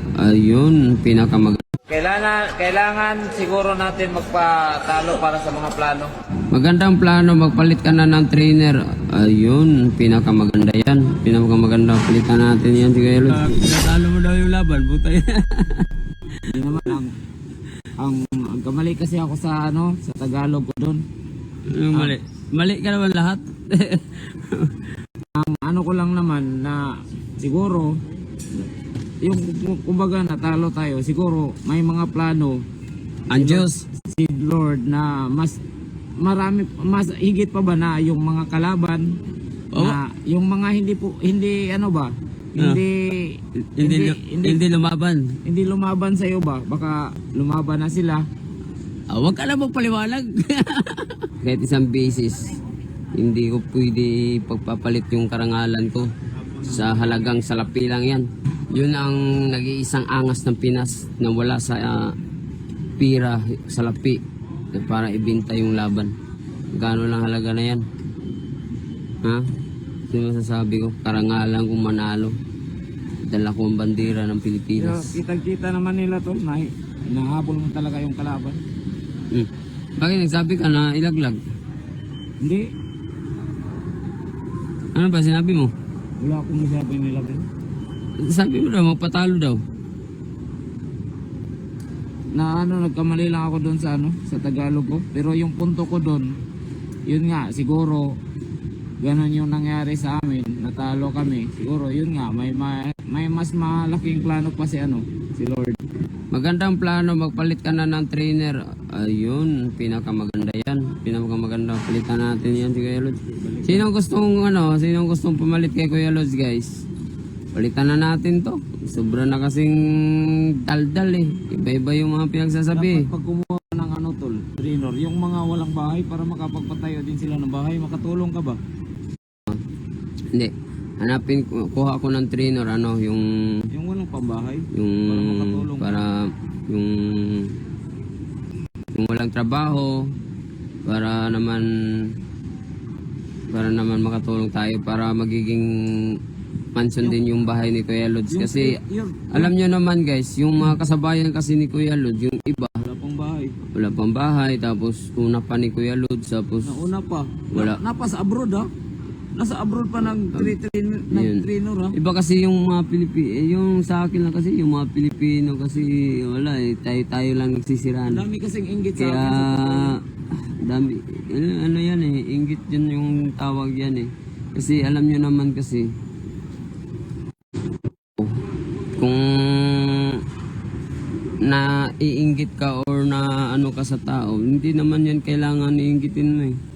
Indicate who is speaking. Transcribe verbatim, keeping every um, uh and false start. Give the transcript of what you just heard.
Speaker 1: ayun, pinakamaganda.
Speaker 2: Kailangan, kailangan siguro natin magpatalo para sa mga plano.
Speaker 1: Magandang plano, magpalit ka na ng trainer. Ayun, pinakamaganda yan. Pinakamaganda, palitan natin yan. Sige, Lord.
Speaker 3: Pinatalo mo daw yung laban, butay.
Speaker 2: Hindi naman, ang, ang, ang kamali kasi ako sa ano, sa Tagalog ko doon.
Speaker 3: Yung mali. Mali ka naman lahat.
Speaker 2: Ang ano ko lang naman na siguro, yung kumbaga natalo tayo, siguro may mga plano
Speaker 1: Ang Diyos.
Speaker 2: si Lord na mas marami, mas higit pa ba na yung mga kalaban
Speaker 1: Oo.
Speaker 2: na yung mga hindi po hindi ano ba hindi
Speaker 1: Hindi,
Speaker 2: hindi,
Speaker 1: hindi, hindi lumaban.
Speaker 2: hindi lumaban sa iyo ba, baka lumaban na sila.
Speaker 1: Ah, huwag ka na magpaliwanag. Kahit isang beses, hindi ko pwede pagpapalit yung karangalan ko sa halagang salapi lang yan. Yun ang nag-iisang angas ng Pinas na wala sa uh, pira, salapi para ibenta yung laban. Gano'n lang halaga na yan. Ha? Sino masasabi ko? Karangalan kong manalo. Dala ko ang bandera ng
Speaker 2: Pero
Speaker 1: Pilipinas.
Speaker 2: kitang-kita naman nila to na nahabol mo talaga yung kalaban.
Speaker 1: Hmm. Bakit nagsabi ka na ilaglag?
Speaker 2: Hindi,
Speaker 1: Ano ba sinabi mo?
Speaker 2: wala akong masabi nila.
Speaker 1: Sabi mo daw, magpatalo daw.
Speaker 2: Na ano, nagkamali lang ako doon sa ano, sa Tagalog ko. Pero yung punto ko doon, yun nga, siguro ganon yung nangyari sa amin, natalo kami. Siguro yun nga, may may, may mas malaking plano pa si ano, si Lord.
Speaker 1: Magandang plano, magpalit ka na ng trainer. Ayun, pinakamaganda yan. Pinakamaganda, palitan natin yan si Kuya Lods. Sino gustong ano, sino gustong pumalit kay Kuya Lods, guys? Palitan na natin to. Sobra na kasing daldal eh. Iba-iba yung mga pinagsasabi.
Speaker 2: Dapat pag kumuha ng ano tol, trainer, yung mga walang bahay para makapagpatayo din sila ng bahay, makatulong ka ba?
Speaker 1: Hindi. Hanapin ko, kuha ko ng trainer, ano, yung
Speaker 2: Yung walang pambahay,
Speaker 1: yung
Speaker 2: para makatulong.
Speaker 1: para yung yung walang trabaho para naman para naman makatulong tayo para magiging mansion din yung bahay ni Kuya Lods kasi
Speaker 2: Yun,
Speaker 1: alam nyo naman guys, yung mga kasabayan kasi ni Kuya Lods, yung iba
Speaker 2: wala pang bahay.
Speaker 1: wala pang bahay, tapos una pa ni Kuya Lods, tapos
Speaker 2: Nauna pa.
Speaker 1: Wala.
Speaker 2: Na, napa sa abroad ha. Nasa abroad pa nag trainer
Speaker 1: Yun.
Speaker 2: nag trainer ha.
Speaker 1: Iba kasi yung mga Pilipino, yung sa akin lang kasi, yung mga Pilipino kasi, wala eh, tayo-tayo lang nagsisiraan.
Speaker 2: Ang dami kasing inggit sa
Speaker 1: Kaya,
Speaker 2: akin sa totoo.
Speaker 1: dami, ano, ano yan eh, inggit yun yung tawag yan eh. Kasi alam nyo naman kasi, kung na iinggit ka or na ano ka sa tao, hindi naman yan kailangan iinggitin mo eh.